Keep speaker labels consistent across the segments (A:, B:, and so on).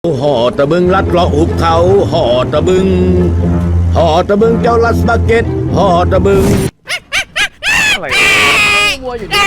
A: ห่อตะบึงลัดเลาะหุบเขาห่อตะบึงห่อตะบึงเจ้าลัสบาเก็ตห่อตะบึง
B: อะไรวัวอยู่นี่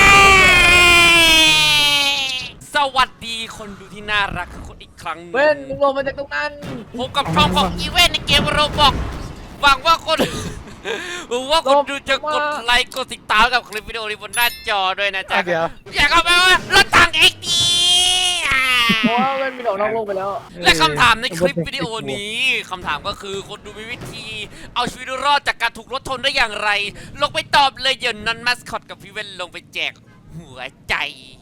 C: สวัสดีคนดูที่น่ารักคนอีกครั้งหนึ่ง
B: เว้นมึงลงมาจากตรงนั้น
C: พบกับช่องของอีเวนต์ในเกมโรบอกหวังว่าคนดูจะกดไลค์กดติดตามกับคลิปวิดีโอนี้บนหน้าจอด้วยนะจ๊ะอยากเอาไปว่ารถถังเอ็กดี
B: เพราะว่าเว้นมีดอกนอกโลกไปแล้ว
C: และคำถามในคลิปวิดีโอนี้คำถามก็คือคนดูมีวิธีเอาชีวิตรอดจากการถูกรถชนได้อย่างไรลงไปตอบเลยเดี๋ยวนั้นมัสคอตกับพี่เว้นลงไปแจกหัวใจ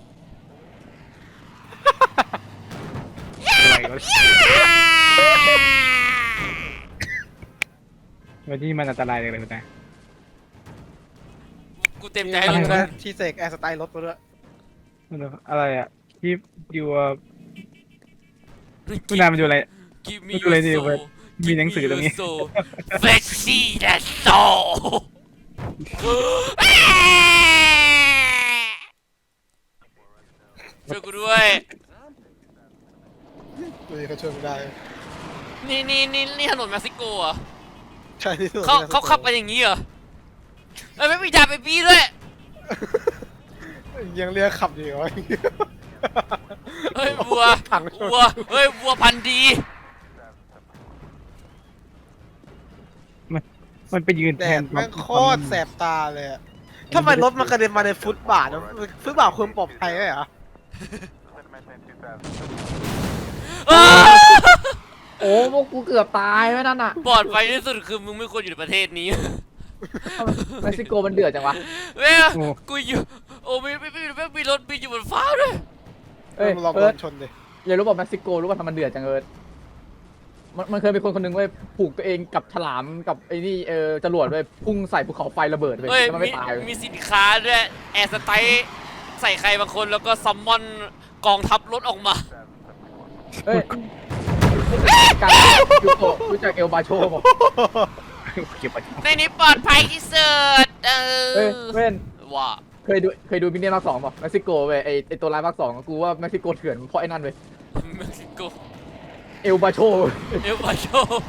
D: วันที่มันอันตรายเลยนะ
C: กูเต็มใจให้ลงทุน
E: ที่เสกแอร์สไตล์รถมาด้วย
D: อะไรอ่ะที่อยู่คุณนายมันดูอะไร
C: มีอะไรดีเว้ย
D: มีหนังสือตรงนี้
C: เฟชชี่และโซช่วยกูด้วย
E: ดูดิเขาช่วยไม่ได้
C: นี่ถนนเม็กซิโกอ่ะ
E: ใช่ที่สุด
C: เขาขับกันอย่างนี้เหรอไม่มีจ่าไปปี้ด้วย
E: ยังเรียกขับอยู่เหรอ
C: เฮ้ยวัวเฮ้ยวัวพันธุ์ดี
D: มันไปยืน
E: แด
D: แท
E: ด
D: น
E: แม่งโคตรแสบตาเลยอะทำไมรถมันกระเด็นมาในฟุตบาทนะฟุตบาทควรปลอดภัยไหมเหรอ
B: โอ้พวกกูเกือบตายไว้นั่นน่ะ
C: ปลอดภัยที่สุดคือมึงไม่ควรอยู่ในประเทศนี้
B: เม็กซิโกมันเดือดจังวะ
C: เว้ยกูอยู่โอ้มีรถบินอยู่บนฟ้าด้วย
B: เอ้ย
E: มันลอง
B: เอิ
E: โด
B: ร์ธ
E: นชนดิ
B: อย่ารู้ป่ะเม็กซิโกรู้ป่ะทำมันเดือดจังเอิร์ธมันเคยเป็นคนหนึ่งเว้ยผูกตัวเองกับฉลามกับไอ้นี่จรวดเว้ยพุ่งใส่ภูเขาไฟระเบิดไป
C: เฮ้ย
B: แล้วมันไม่ตาย
C: มีสินค้าด้วยแอร์สไตล์ใส่ใครบางคนแล้วก็ซัมมอนกองทัพรถออกมา
B: เฮ้ยการยูโตรู้จักเอลบาโชป่ะ
D: เก็บไป
C: ในนี้ปลอดภัยที่สุด
B: เฮ้ยเว้น
C: ว่า
B: เคยดูมินเนี่ยนภาค 2ป่ะเม็กซิโกเว้ยไอตัวร้ายภาค 2กูว่าเม็กซิโกเถื่อนเพราะไอ้นั่นเว้ย
C: เม็กซิโก
B: เอลบาโช
C: เอลบาโช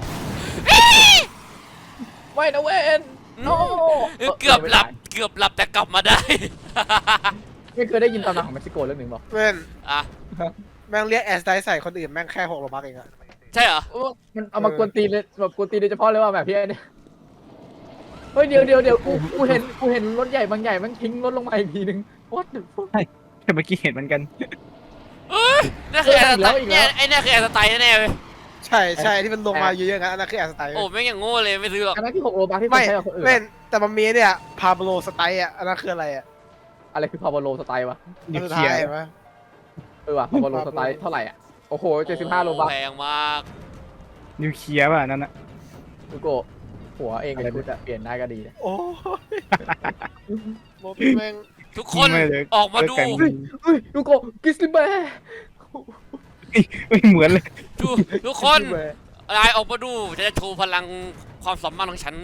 B: ไม่นะเว้นโอ้
C: เกือบหลับแต่กลับมาได้
B: ไม่เคยได้ยินตำนานของเม็กซิโกเรื่องหนึ่งป่ะ
E: เว้น
C: อ่ะ
E: แม่งเรียกแอร์สไตล์ใส่คนอื่นแม่งแค่6 โลบักเองอะ
C: ใช่เหรอ
B: มันเอามากวนตีนเลยแบบกวนตีนโดยเฉพาะเลยว่าแบบพี่ไอ้เนี่ยเฮ้ยเดี๋ยวกูเห็นรถใหญ่บางใหญ่มันทิ้งรถลงมาอีกทีนึง what the fuck
D: แต่เมื่อกี้เห็นเหมือนกัน
C: นี่คือแอร์สไตล์เนี่ยไอ้นี่คือแอร์สไตล์แน่ๆเลย
E: ใช่ที่มันลงมาเยอะๆงั้นอันนั้นคือแอร์สไตล์
C: โอ้แม่งอย่างโง่เลยไม่ซื้อหรอก
B: อันนั้นที่6 โลบาร์ที่
E: ไม่
B: ใช้กับคนอื่น
E: เว้นแต่มันมีเนี่ยพาโบโลสไตล์อะอันนั้นคืออะไรอะ
B: อะไรคือพาวโลสไตล์วะ
D: นิว
E: สุด
D: เคลี
E: ท้าย ย
D: ร์
E: เห็นไหม
B: ว่ะพาวโลสไตล์เท่าไหร่อ่ะโอ้โห75 โลบาร์
C: แพงมาก
D: นิวเคลียร์ป่ะนั่นน่ะ
B: ดูโกหัวเองกับชุดอะเปลี่ยนได้ก็ดีนะ
E: โอ้ยรถแม่ง
C: ทุกคนออกมาดู
B: เฮ้ยดูโกกิสลิแบร์
D: ไม่เหมือนเลย
C: ทุกคนนายออกมาดูจะโชว์พลังความสามารถของฉัน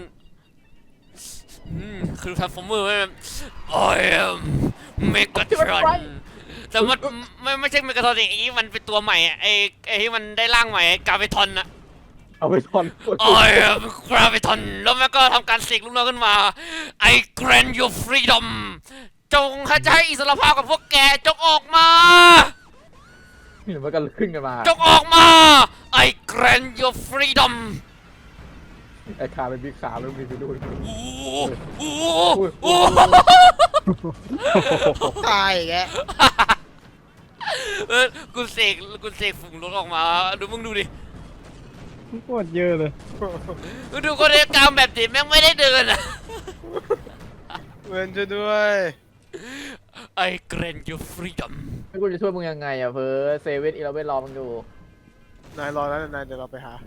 C: คือทรานส์ฟอร์เมอร์โอ้ยเมกาทรอนแต่มันไม่ใช่เมกาทรอนอีกมันเป็นตัวใหม่ไอ้ที่มันได้ร่างใหม่กาเวทอนอะ
B: เอาไปทอน
C: โอ้ยกราเวทอนแล้วมันก็ทำการเสกลูกน้องขึ้นมา I grant you freedom จงให้อิสรภาพกับพวกแกจงออกมา
B: เดี๋ยวมันก็ขึ้นกันมา
C: จงออกมา I grant you freedom
B: ไอ้ขาเป็นบิ๊กขาแล้วมีไปดู
C: โอ้
E: ตายอีกแล้ว
C: กูเสกฝุ่งรถออกมาดูมึงดูดิ
D: โคตรเยอะเลย
C: มึงดูคนเรียกกรรมแบบนี้แม่งไม่ได้เดินอะ
E: เว้นช่วยด้วย
C: I grant you freedom
B: ไม่กูจะช่วยมึงยังไงอะเพ้อเซเว่นอีเลฟเว่นรอมึงอยู่
E: นายรอแล้วนายเดี๋ยวเราไปหา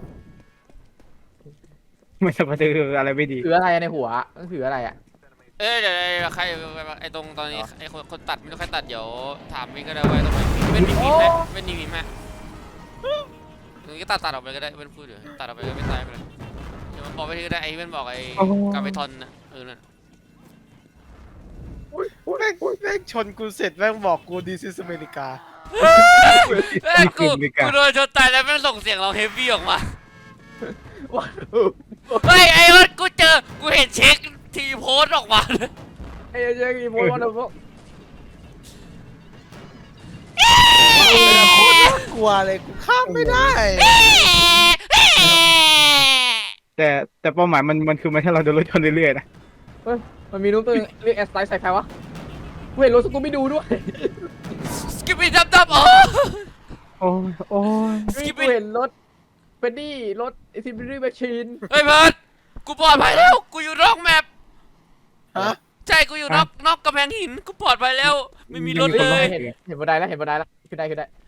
D: ไม่สบายคืออะไรไม่ดี
B: ถืออะไรในหัวมันถืออะไรอะ
C: เดี๋ยวใครไอ้ตรงตอนนี้ไอ้คนตัดไม่รู้ใครตัดเดี๋ยวถามวิ่งก็ได้ว่าตรงไหนเป็นมีไหมเป็นมีไหมตรงนี้ก็ตัดออกไปก็ได้เป็นพูดอยู่ตัดออกไปก็ไม่ตายไปเลยเดี๋ยวมันบอกไปที่ก็ได้ไอ้เป็นบอกไอ้กาเวทอนนะนั่น
E: แม่งชนกูเสร็จแม่งบอกกู This is America
C: เอ้ยกูโดนชนตายแล้วแม่งส่งเสียงเราเฮฟวี่ออกมา
B: ว้าว
C: เฮ้ยไอ้รถกูเห็นเช็คทีโพสต์ออกมาเลย
B: ไอ้เจ๊กีโมวันเดอร์
E: กลัวเลยกูข้ามไม่ได้
D: แต่เป้าหมายมันคือมันให้เราโดนรถชนเรื่อยๆนะ
B: เฮ้ยมันมีรูปตัวนึงเรียกแอสไตล์ใส่ใครวะกูเห็นรถสกูบี้ดูด้วย
C: สกิปปี้ดับอ๋อ
D: โอ้ยโอ้ย
B: กูเห็นรถเฟนดี้รถซิมบิลี่แมชชีน
C: เฮ้ยเพิร์ดกูปลอดภัยแล้วกูอยู่นอกแมป
E: ฮะ
C: ใช่กูอยู่นอกกำแพงหินกูปลอดภัยแล้วไม่มีรถเลย
B: เห็นบันไดแล้วขึ้นได้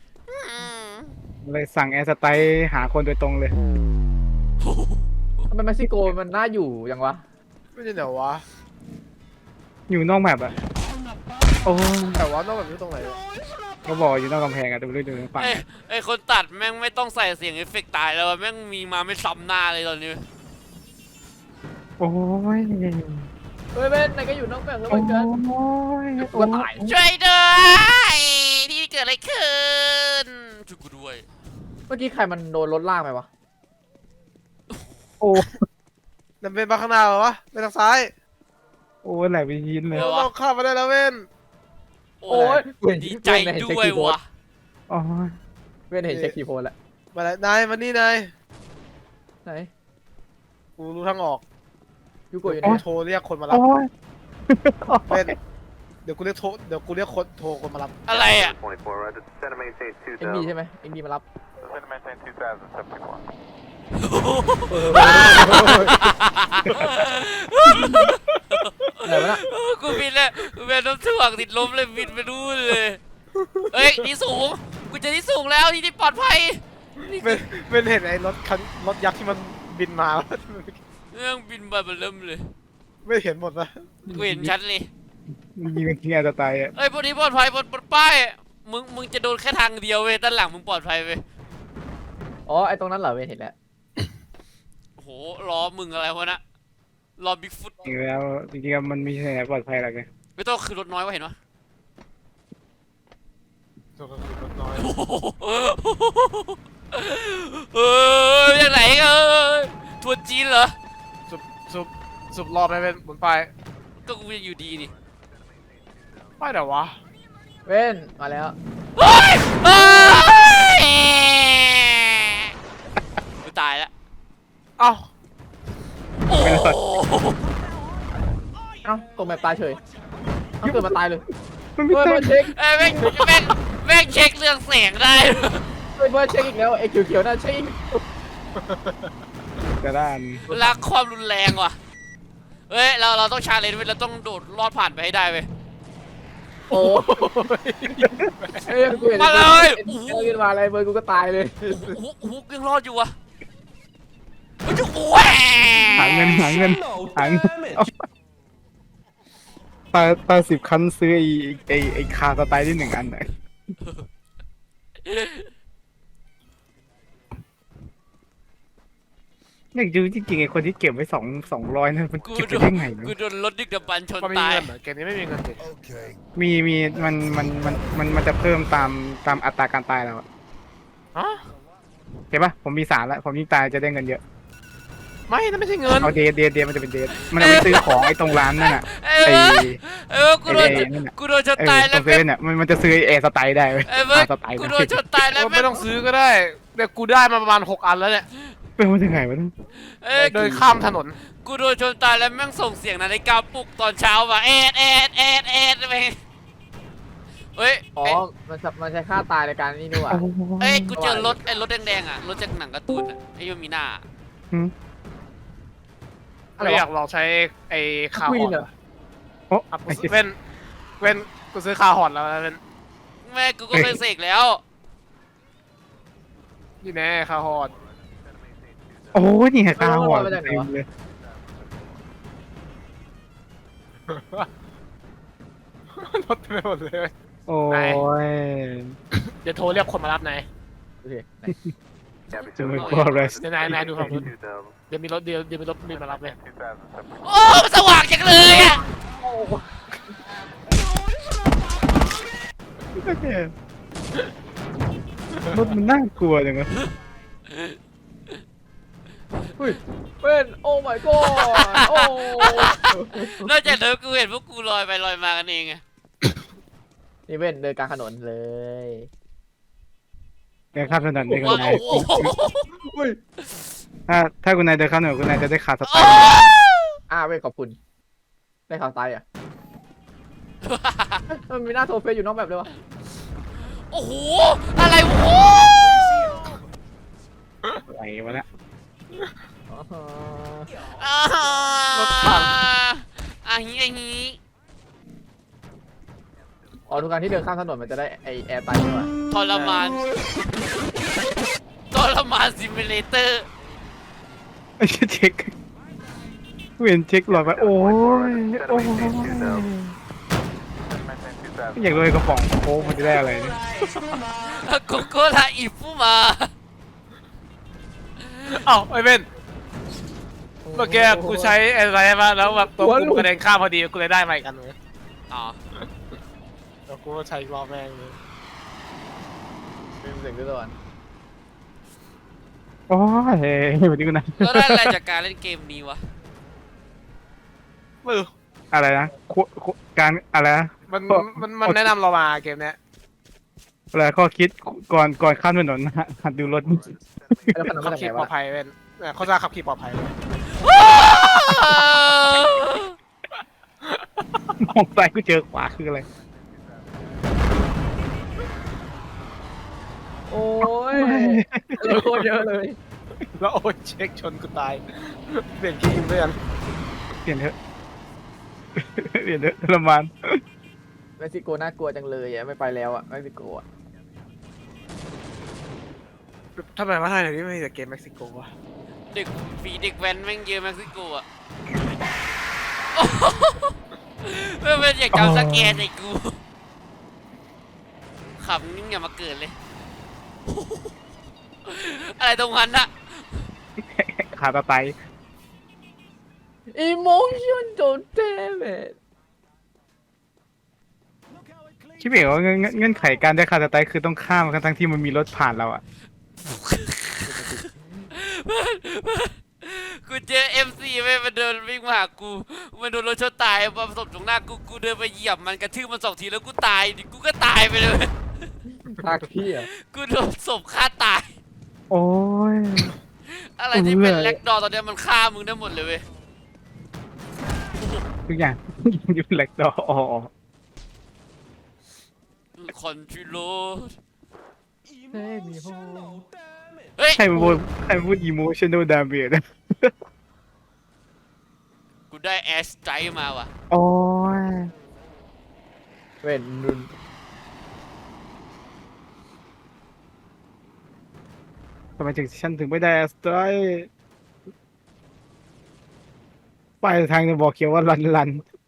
D: เลยสั่งแอร์สไตล์หาคนโดยตรงเลย
B: ทำไมเม็กซิโกมันน่าอยู่ยังวะ
E: ไม่ใช่เดี๋ยววะ
D: อยู่นอกแมปอะโอ้ย
E: แต่ว่านอกแบบนี้ตรงไหนวะ
D: ก็บอกอยู่นอกกำแพงอะดูเรื่องดูฝั่ง
C: ไอ้คนตัดแม่งไม่ต้องใส่เสียงเอฟเฟกต์ตายแล้วแม่งมีมาไม่ซ้ำหน้าเลยตอนนี้
D: โอ้ย
B: เฮ้ยเบนนายก็อยู่นอกแบบแล้ว
D: โอ้
B: เหมือนกัน
D: ย
B: กูก็ตาย
C: ช่วยด้วยนี่เกิดอะไรขึ้นช่วยกูด้วย
B: เมื่อกี้ใครมันโดนรถลากไปวะ
D: โอ้
E: นั่นเป็นมาข้างหน้าเหรอวะเป็นทางซ้าย
D: โอ้ยไหลไปยินเลย
E: เราข้ามมาได้แล้วเว้น
C: โอ้ยดีใจด้วยวะ
D: โอ้ย
B: เว้นเห็นเช็คคีย์โพสแล้ว
E: มาแล้วนายมานี่นาย
B: ไหน
E: กูรู้ทางออก
B: ยูโกะอยู่ไห
E: กู
B: น
E: โทรเรียกคนมารับ
D: โอ้ย
E: เป็นเดี๋ยวกูเรียกโทรคนมารับ
C: อะไรอ่ะ
F: 24, right? Center maintain
B: เอ็งดี
F: 2000.
B: ใช่ไหมเอ็งดีมารับ
F: Center maintain 2074.
B: อะไรวะน่ะ
C: กูบินแล้วกูเป็นน้ำถ่วงติดลมเลยบินไปนู่นเลยเฮ้ยที่สูงกูเจอที่สูงแล้วที่ปลอดภัย
E: เป็นเห็นไอ้รถยักษ์ที่มันบินมา
C: เรื่องบินมาเริ่มเลย
E: ไม่เห็นหมดนะ
C: กูเห็นชัดเลย
D: ยิงทิ้งแอร์สไตล์อะ
C: เอ้ยพวกนี้ปลอดภัยบนป้ายมึงจะโดนแค่ทางเดียวเว้ยด้านหลังมึงปลอดภัยเว้ย
B: อ๋อไอตรงนั้นเหรอเว้นเห็นแล้ว
C: โอ้โหล้อมึงอะไรวะนะล้อบิ๊กฟุต
D: จริงแล้วจริงๆมันมีที่ไหนปลอดภัยหรอกไง
C: ไม่ต้องคือรถน้อยวะเห็นปะ
E: รถน้อย
C: เอออย่างไหนทัวร์จีนเหรอ
E: สุบรอบไปเป็นบนป้าย
C: ก็กูยังอยู่ดีนี่
E: ป้ายไหนวะ
B: เว้นมาแล้ว
C: เฮ้ยเฮ้ยกูตายแล้ว
E: เอ้า
C: โอ้โห
B: เอ้าตกแบบตายเฉยเอ้าเกิดมาตายเลย
D: มันไม่
B: เฮ้ย
D: ใช่
B: เบิร์ดเช็ค
C: เอ้ยแม่งเช็คเรื่องแสงได้
B: เฮ้ยเบิร์ดเช็คอีกแล้วไอ้เขียวๆน่าเช็ค
D: แต่ด้าน
C: รักความรุนแรงว่ะเฮ้ยเราต้องชาเลนจ์เว้ยเราต้องโดดลอดผ่านไปให้ได้เว้ย
B: โอ้เฮ้ยกูเห็น
C: มาเลย
B: เอ็นมาอะไรเบิร์ดกูก็ตายเลย
C: ฮุกยังรอดอยู่วะมันจะแหว
D: หาเงินตา10 คันซื้อไอ้คาสไตล์ที่1 อันไหนอยากดูจริงๆไอ้คนที่เก็บไว้200นั่นมันเก็บไปได้ไง
C: กูโดนรถดึกดำบรรพ์ชน
E: มันมี
C: ตาย
E: เงินเหรอเกมนี้ไม่มีเงินดิ
D: มีมันจะเพิ่มตามอัตราการตายเราอะ
E: ฮะ
D: เห็นปะผมมี3แล้วผมยิ่งตายจะได้เงินเยอะ
E: ไม่นั่นไม่ใช่เงิน
D: เอาเดทมันจะเป็นเดทมันเอาไปซื้อของไอ้ตรงร้านนั่นน่ะ
C: กูโดน
D: นั่นน่ะ
C: กูโดนชนตาย
D: ต
C: แล้
D: ร
C: ว
D: งเซเว่นเนี่ยมันจะซื้อแอร์สไตล์ได้เว้ย
C: เว้ย
D: สไตล์
C: กูโดนชนตายแล้ว
E: ไม่ต้องซื้อก็ได้เดี๋ยวกูได้มาประมาณ6 อันแล้วเนี่ย
D: เป็นมาถึงไหนวะ
E: เดินข้ามถนน
C: กูโดนชนตายแล้วแม่งส่งเสียงนาฬิกาปลุกตอนเช้าว่ะไปเฮ้ย
B: อ๋อมันใช้ค่าตายในการนี่นี่หว่า
C: เอ้ยกูเจอรถรถแดงๆอ่ะรถจากหนังการ์ตูนอ่ะไอ้ยูมีหน้า
B: อะไร
E: ไม่อยาว
B: ะ
E: กลองใช้ไอ้คา
B: ควี
E: ฮอน น
B: เหรอ
D: โอ้
E: อ่ะกูเว้นกูซื้อคาฮอนแล้วเว้น
C: แม่กูก็เคยเสกแล้ว
E: นี่แน่คาฮอน
D: โอ้นี่ไงคาหัวเต็มเลย
E: รถเต็มไปหมดเลย
D: โอ้ย
E: เดี๋ยวโทรเรียกคนมารับนาย
B: โอเค
D: จะไม่กลัวอะไร
E: เดี๋ยวนายดูฝั่งนู้น
F: 2000.
E: เดี๋ยวมีรถบินมารับเลย
C: โอ้สว่างจังเลยอ่ะ
D: โอเครถมันน่ากลัวจังวะ
B: เฮ้ยเป็นโอ้ my god โอ้
C: นอกจากเธอกูเห็นพวกกูลอยไปลอยมากันเองไง
B: นี่เป็นเดินกลางถนนเลย
D: เดินข้ามถนนเดินกับ
C: ว้า
D: นายว
C: โอ้โห
D: ถ้าคุณนายเดินข้ามถนนคุณนายจะได้ขาดสไต
C: อ้า
D: ล์
B: เว้ยขอบคุณได้ข่าวตายอ่ะมันมีหน้าโทรเฟซอยู่นอกแบบเลยวะ
C: โอ้โหอะไรวะ
D: ไหวมาแล้ว
B: อ๋อ
C: ฮีฮี
B: อ๋อทุกครั้งที่เดินข้ามถนนมันจะได้ไอแอร์ไตใช่ไหม
C: ทรมานซิมูเลเตอร์
D: ไอ้เช็คเวียนเช็คหลอดไปโอ้ยโอ้ย
F: Maintain 2000.
D: อยากเลยกระป๋องโค้กมันจะได้อะไรเนี่ย
C: โกโก้ลาอิฟุมา
E: เอ้าไอ้เบนเมื่อกี้กูใช้อะไรมาแล้วแบบตัวกูกระเด็นข้ามพอดีกูเลยได้มาอีกอันเลย
C: อ๋อ
E: แล้วกูใช้รอบแม่งเลย
B: เป็นเสียงด้วยก่อน
D: โอ้ยวันนี้คุณนาย
C: แล้วได้อะไรจากการเล่นเกมนี้วะ
E: ไม่รู้
D: อะไรนะการอะไรนะ
E: มันแนะนำเรามาเกมเนี้ย
D: อะไรข้อคิดก่อนข้ามถนนหัดดูรถ
B: แล้วขนม
E: ขั
B: มา
E: บ
B: จาก
E: ขี่
B: ไหน
E: ปลอ
B: วะ
E: ดภัยเว้นเขาจะขับขี่ปลอดภัยเว้ย
D: มองซ้ายก็เจอขวาคืออะไร
B: โอ้ยโคตรเยอะเลย
E: แล้วโอ้ยเช็คชนกูตายเปลี่ยนขี้เพื่อน
D: เปลี่ยนเถอะเปลี่ยนเถอะทรมาน
B: เม็กซิโกน่ากลัวจังเลยอ่ะไม่ไปแล้วอ่ะเม็กซิโกอ่ะ
E: ทำไมว่าไทยเดี๋ยวนี้ไม่มีแต่เกมเม็กซิโกวะ
C: เด็กฝีเด็กแว้นแม่งเยอะเม็กซิโกอ่ะไม่เป็นอยากจำสแกนไอ้กูขำนิ่งอย่ามาเกิดเลย อะไรตรงนั้นอะ
D: ขาตาไต
B: อีโมชั่นโดนเทเมด
D: คิดเองว่าเงื่อนไขการได้ขาตาไตคือต้องข้ามกันทั้งที่มันมีรถผ่านเราอ่ะ
C: กูเจอ MC ไปมันเดินวิ่งมาหากูมันโดนรถชนตายมาประสบตรงหน้ากูเดินไปเหยียบมันกระทืบมัน2 ทีแล้วกูตายดิกูก็ตายไปเลย
B: ภาคพี่อ่ะ
C: กูโดนศพฆ่าตาย
D: โอ้ย
C: อะไรที่เป็นแล็กดอร์ตอนเนี้ยมันฆ่ามึงได้หมดเลยเว้ย
D: ทุกอย่างอยู่แหลกดออ๋อ
C: คอนทริโล
B: เฮ้ยมีโฮ
C: เฮ้ย
D: ใครมาพูด emotional damage นะ
C: กูได้แอสไตร์มาว่ะ
D: โอ้ย
B: เว้นนุน
D: ทำไมฉันถึงไม่ได้สไตร์ป้ายทางจะบอกเขียวว่าลัน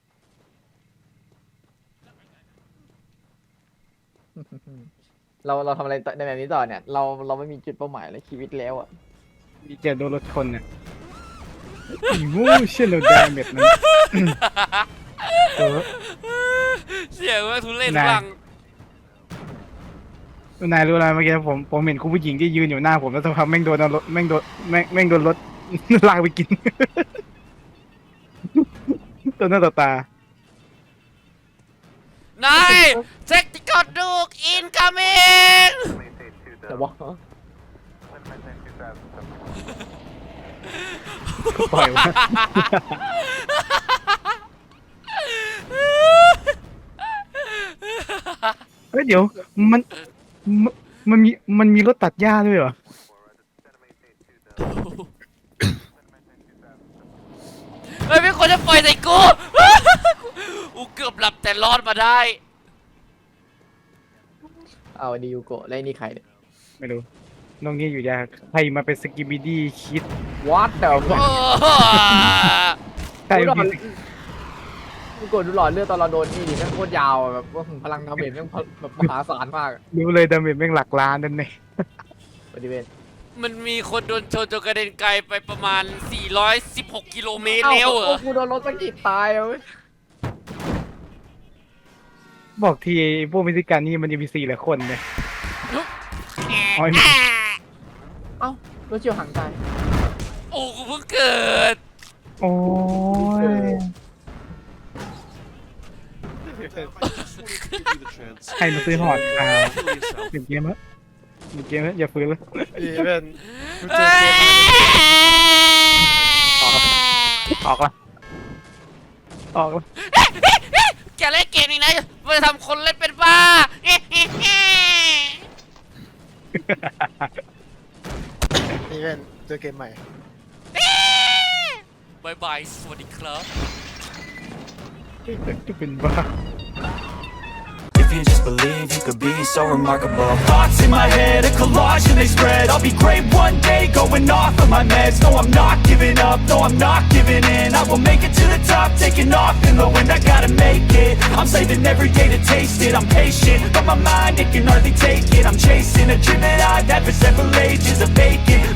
B: เราทำอะไรในแบบนี้ต่อเนี่ยเราไม่มีจุดเป้าหมายเลยชีวิตแล้วอ่ะ
D: มีเจอโดนรถชนเนี่ย emotional damage นั้นเออ
C: เสียงว่าทุเรศ
D: นาย
C: ฟัง
D: นายรู้อะไรเมื่อกี้ผมเห็นคุณผู้หญิงที่ยืนอยู่หน้าผมแล้วสักพักแม่งโดนรถแม่งโดนรถ ลากไปกิน ตัวหน้าต่อตา
C: นายเช็คติกอดดูกอินคัมมิ่ง
F: Maintain
B: แต่
F: 2000.
B: ว่า
F: Maintain 2000.
D: ปล่อยวะ เฮ้ยเดี๋ยวมันมีรถตัดหญ้าด้วยเหรอ
C: เฮ้ยไม่ควรจะปล่อยใส่กู กูเกือบหลับแต่รอดมาได้
B: เอาดียูโกะแล้วนี่ใครเนี่ย
D: ไม่รู้น้องนี่อยู่ยากใครมาเป็นสกิบิดี้คิด
B: วัดแต่
C: โอ้
D: ใคร
B: ดูหลอ
D: มี
B: ดยูโกะดูหลอดเลือดตอนเราโดนนี่ดิแม่งโคตรยาวอะแบบว่าพลังดาเมจแม่งแบบมหาศาลมากอะ
D: รู้เลยดาเมจแม่งหลักล้านนั่นเอง
B: บริเวณ
C: มันมีคนโดนชนจนกระเด็นไกลไปประมาณ 416 กิโลเมตรแล้วเหรอ
B: กูโดนรถสะกิดตายอะเว้ย
D: บอกทีพวกเม็กซิกันนี่มันจะมี4 หลายคนเลยอ๋อ
B: เอ้ารถเฉียวหางตาย
C: โอ้กูเพิ่งเกิด
D: โอ้ยใครมาซื้อหอดเปลี่ยนเกมแล้วเปลี่ยนเกมแล้วอย่าฟื้นเลย
E: ดีเพื่อน
D: ออกละออกละ
C: จะเล่นเกมนี้นะไปทำคนเล่นเป็นบ้า
E: นี่เพื่อนเจอเกมใหม่
C: บายบายสวัสดีครับ
D: จะเป็นบ้า
G: If you just believe, you could be so remarkable. Thoughts in my head, a collage and they spread. I'll be great one day, going off of my meds. No, I'm not giving up, no, I'm not giving in. I will make it to the top, taking off in the wind. I gotta make it, I'm saving every day to taste it. I'm patient, but my mind, it can hardly take it. I'm chasing a dream that I've had for several ages, a vacant